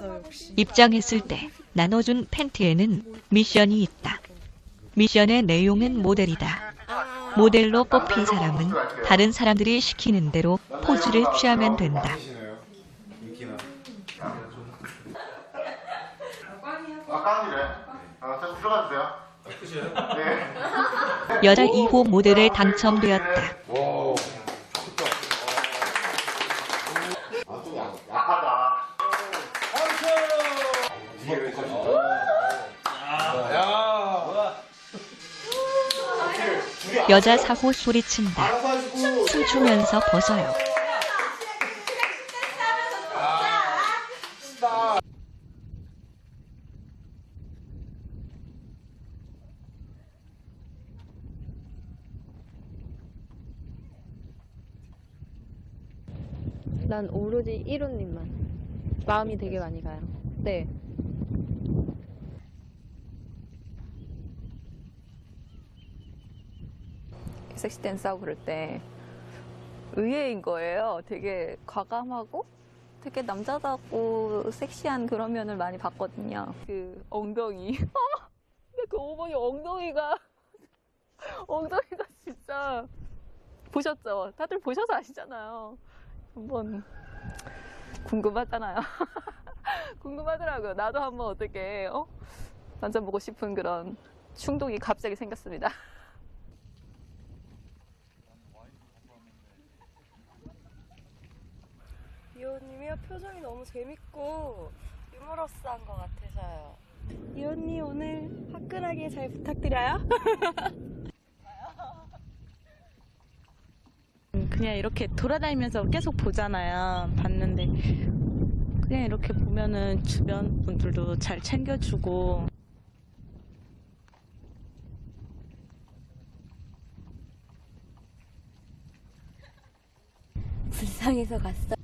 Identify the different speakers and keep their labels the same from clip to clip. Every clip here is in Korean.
Speaker 1: 입장했을 때 나눠준 팬티에는 미션이 있다. 미션의 내용은 모델이다. 모델로 뽑힌 사람은 다른 사람들이 시키는 대로 포즈를 취하면 된다. 여자 2호 모델에 당첨되었다. 여자 4호 소리친다. 춤추면서 벗어요.
Speaker 2: 난 오로지 1호님만. 마음이 되게 많이 가요. 네.
Speaker 3: 섹시 댄스하고 그럴 때 의외인 거예요. 되게 과감하고 되게 남자답고 섹시한 그런 면을 많이 봤거든요. 그 엉덩이. 근데 그 어머니 엉덩이가 진짜 보셨죠? 다들 보셔서 아시잖아요. 한번 궁금하잖아요. 궁금하더라고요. 나도 한번 어떻게 만져보고 싶은 그런 충동이 갑자기 생겼습니다.
Speaker 4: 이호님이요, 표정이 너무 재밌고 유머러스한 것 같아서요. 이호님 오늘 화끈하게 잘 부탁드려요.
Speaker 5: 그냥 이렇게 돌아다니면서 계속 보잖아요. 봤는데 그냥 이렇게 보면은 주변 분들도 잘 챙겨주고.
Speaker 4: 불쌍해서 갔어.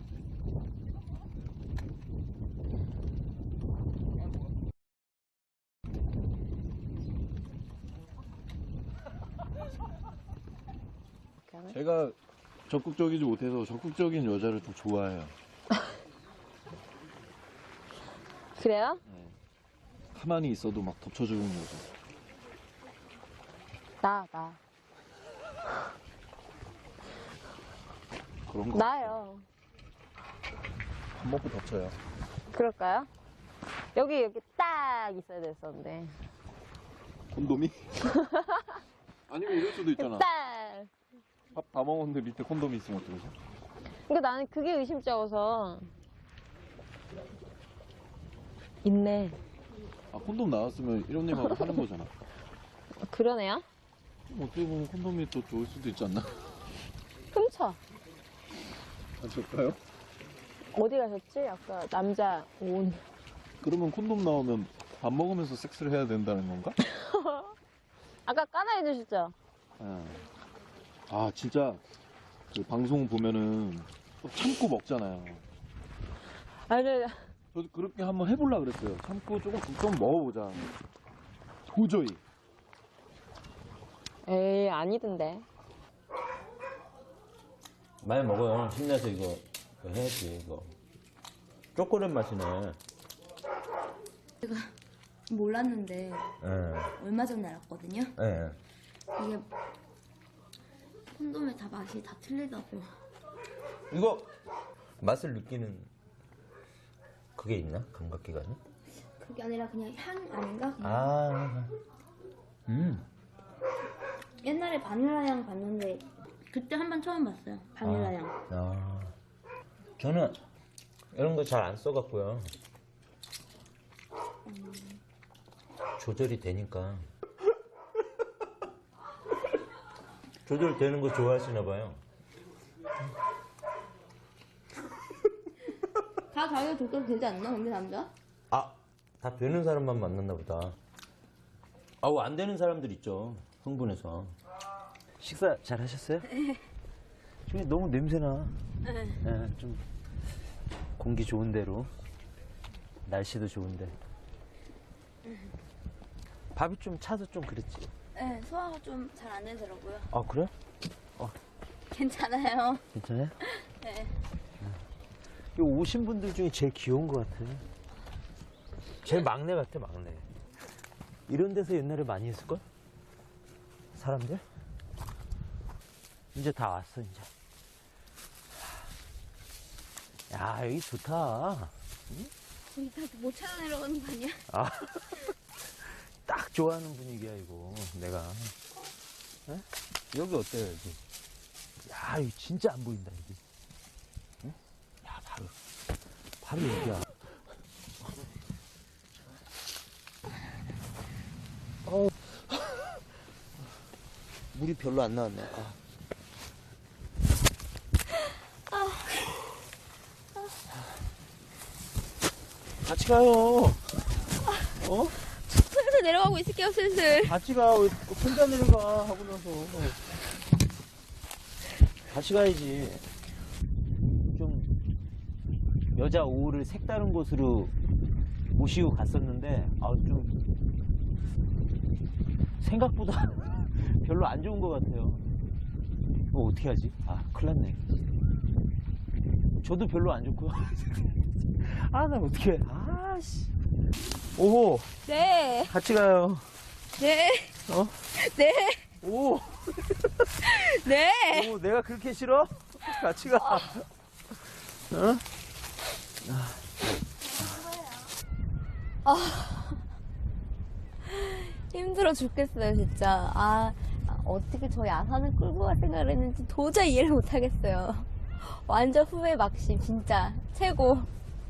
Speaker 6: 제가 적극적이지 못해서 적극적인 여자를 좀 좋아해요.
Speaker 2: 그래요?
Speaker 6: 가만히 있어도 막 덮쳐주는 여자.
Speaker 2: 나.
Speaker 6: 그런 거.
Speaker 2: 나요.
Speaker 6: 밥 먹고 덮쳐요.
Speaker 2: 그럴까요? 여기 딱 있어야 됐었는데.
Speaker 6: 콘돔이? 아니면 이럴 수도 있잖아.
Speaker 2: 딱!
Speaker 6: 밥 다 먹었는데 밑에 콘돔이 있으면 어떡하지?
Speaker 2: 그러니까 나는 그게 의심쩍어서. 있네.
Speaker 6: 아, 콘돔 나왔으면 이런님하고 하는 거잖아.
Speaker 2: 그러네요?
Speaker 6: 어떻게 보면 콘돔이 또 좋을 수도 있지 않나?
Speaker 2: 훔쳐.
Speaker 6: 아, 좋을까요?
Speaker 2: 어디 가셨지? 아까 남자 온.
Speaker 6: 그러면 콘돔 나오면 밥 먹으면서 섹스를 해야 된다는 건가?
Speaker 2: 아까 까나 해주셨죠?
Speaker 6: 아, 진짜 그 방송 보면은 또 참고 먹잖아요.
Speaker 2: 아니,
Speaker 6: 저도 그렇게 한번 해보려고 그랬어요. 참고 좀 먹어보자. 도저히.
Speaker 2: 에이, 아니던데.
Speaker 7: 많이 먹어요. 힘내서 이거 해야지, 이거. 초콜릿 맛이네.
Speaker 8: 제가 몰랐는데 얼마 전에 알았거든요.
Speaker 7: 네.
Speaker 8: 이게 콘돔에 다 맛이 다 틀리다고.
Speaker 7: 이거 맛을 느끼는 그게 있나? 감각기관이?
Speaker 8: 그게 아니라 그냥 향 아닌가? 그냥.
Speaker 7: 아,
Speaker 8: 옛날에 바닐라 향 봤는데 그때 한 번 처음 봤어요. 바닐라 향.
Speaker 7: 아, 저는 이런 거 잘 안 써갖고요. 조절이 되니까. 조절되는 거 좋아하시나 봐요.
Speaker 8: 다 자기가 조절 되지 않나? 근데 남자?
Speaker 7: 아, 다 되는 사람만 만났나 보다. 아우, 안 되는 사람들 있죠. 흥분해서. 식사 잘 하셨어요? 네. 지금 너무 냄새나. 네, 좀 공기 좋은 데로. 날씨도 좋은데. 밥이 좀 차서 좀 그랬지.
Speaker 8: 네, 소화가 좀 잘 안 되더라고요.
Speaker 7: 아, 그래?
Speaker 8: 괜찮아요.
Speaker 7: 괜찮아요?
Speaker 8: 네.
Speaker 7: 이 오신 분들 중에 제일 귀여운 것 같아. 제일 막내 같아, 막내. 이런 데서 옛날에 많이 했을걸? 사람들? 이제 다 왔어, 이제. 야, 여기 좋다.
Speaker 8: 우리 다 못 찾아 내려가는 거 아니야?
Speaker 7: 아, 딱 좋아하는 분위기야, 이거. 내가. 에? 여기 어때요, 여기? 야, 여기 진짜 안 보인다, 여기. 응? 야, 바로 여기야. 물이 별로 안 나왔네. 같이 가요. 어?
Speaker 8: 슬슬 내려가고 있을게요, 슬슬.
Speaker 7: 같이 가. 왜 혼자 내려가 하고 나서. 같이 가야지. 좀 여자 오후를 색다른 곳으로 모시고 갔었는데 좀 생각보다 별로 안 좋은 것 같아요. 뭐 어떻게 하지? 큰일 났네. 저도 별로 안 좋고요. 나 어떻게 해? 씨. 오호.
Speaker 8: 네.
Speaker 7: 같이 가요.
Speaker 8: 네.
Speaker 7: 어?
Speaker 8: 네.
Speaker 7: 오.
Speaker 8: 네.
Speaker 7: 오, 내가 그렇게 싫어? 같이 가. 어?
Speaker 8: 힘들어 죽겠어요, 진짜. 어떻게 저 야산을 끌고 갈 생각을 했는지 도저히 이해를 못 하겠어요. 완전 후회 막심, 진짜. 최고.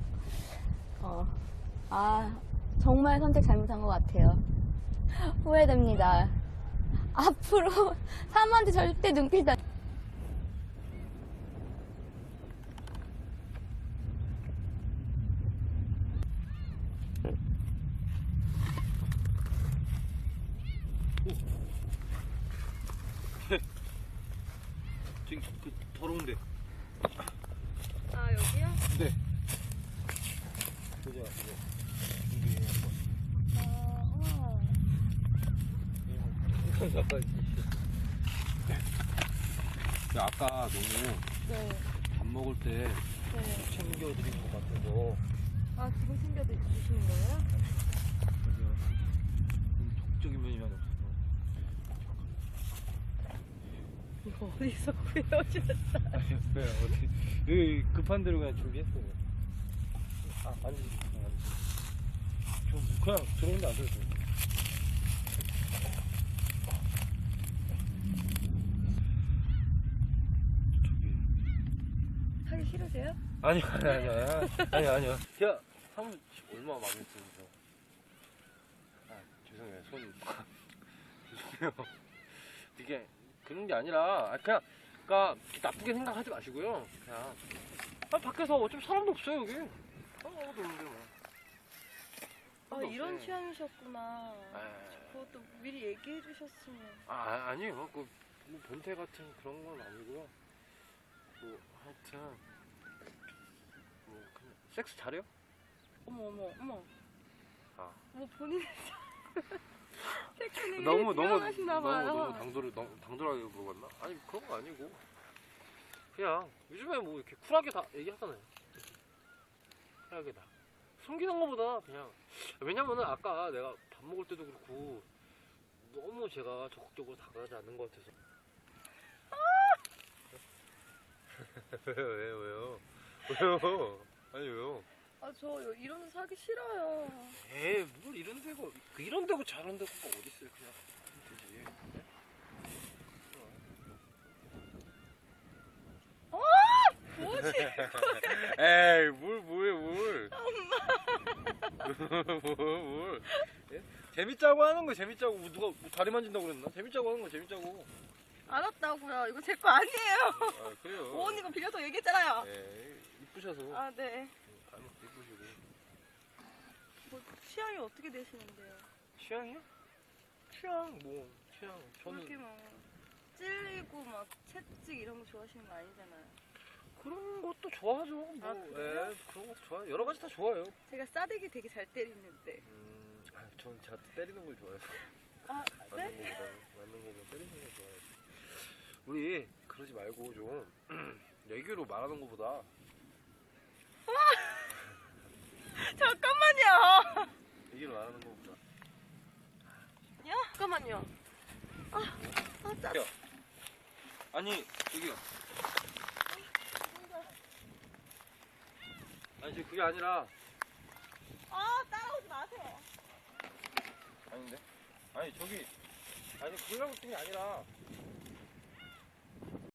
Speaker 8: 정말 선택 잘못한 것 같아요. 후회됩니다. 앞으로 사람한테 절대 눈길도 안...
Speaker 6: 저기 더러운데.
Speaker 4: 여기요?
Speaker 6: 네. 보자, 아까 너무 밥 먹을 때 챙겨드린 것 같아서.
Speaker 4: 지금 챙겨주시는 거예요?
Speaker 6: 적극적인 면이 많이 없어서.
Speaker 4: 이거 어디서 구해오셨어요?
Speaker 6: 그냥 어떻게 급한 대로 그냥 준비했어요. 아니 좀 그냥 들어오는데 안 들었어요.
Speaker 4: 하기 싫으세요?
Speaker 6: 아니야. 야, 사무실 얼마 마음에 드는데. 죄송해요. 죄송해요. 이게 그런 게 아니라 그냥 그러니까 나쁘게 생각하지 마시고요. 그냥 밖에서 어차피 사람도 없어요 여기. 아무도 없는데 뭐.
Speaker 4: 이런 취향이셨구나. 그것도 미리 얘기해 주셨으면.
Speaker 6: 아니에요. 뭐 변태 같은 그런 건 아니고요. 뭐 하여튼 뭐 그냥 섹스 잘해요?
Speaker 4: 어머.
Speaker 6: 뭐
Speaker 4: 본인의 테크닉이
Speaker 6: 너무
Speaker 4: 뛰어나시나봐요.
Speaker 6: 당돌하게 물어봤나? 아니 그런 거 아니고 그냥 요즘에 뭐 이렇게 쿨하게 다 얘기하잖아요. 쿨하게 다 숨기는 거보다 그냥 왜냐면은 아까 내가 밥 먹을 때도 그렇고 너무 제가 적극적으로 다가가지 않는 것 같아서. 왜요? 아니 왜요?
Speaker 4: 저 이런 데 사기 싫어요.
Speaker 6: 뭘 이런 데고 이런 데고 저런 데고 어디 있어요? 그냥 되지.
Speaker 4: 뭐지?
Speaker 6: 에이 뭘 뭘 예? 재밌자고 하는 거 재밌자고 누가 뭐 다리 만진다고 그랬나? 재밌자고 하는 거 재밌자고.
Speaker 4: 알았다고요. 이거 제 거 아니에요.
Speaker 6: 그래요.
Speaker 4: 오 언니가 빌려서 얘기했잖아요.
Speaker 6: 이쁘셔서.
Speaker 4: 네.
Speaker 6: 이쁘시고.
Speaker 4: 뭐 취향이 어떻게 되시는데요?
Speaker 6: 취향이요? 취향 저는
Speaker 4: 그렇게 막 찔리고 막 채찍 이런 거 좋아하시는 거 아니잖아요.
Speaker 6: 그런 것도 좋아하죠. 뭐,
Speaker 4: 그래요?
Speaker 6: 그런 것도 좋아요. 여러 가지 다 좋아요.
Speaker 4: 제가 싸대기 되게 잘 때리는데.
Speaker 6: 전 제가 때리는 걸 좋아해요.
Speaker 4: 네?
Speaker 6: 맞는 거보다 때리는 걸 좋아해요. 우리 그러지 말고 좀 얘기로 말하는 것보다
Speaker 4: 잠깐만요.
Speaker 6: 얘기를 안 하는 거보다.
Speaker 4: 잠깐만요.
Speaker 6: 아니 저기요. 아니 지금 그게 아니라.
Speaker 4: 따라오지 마세요.
Speaker 6: 아닌데? 아니 저기 아니 그러려고 쓴 게 아니라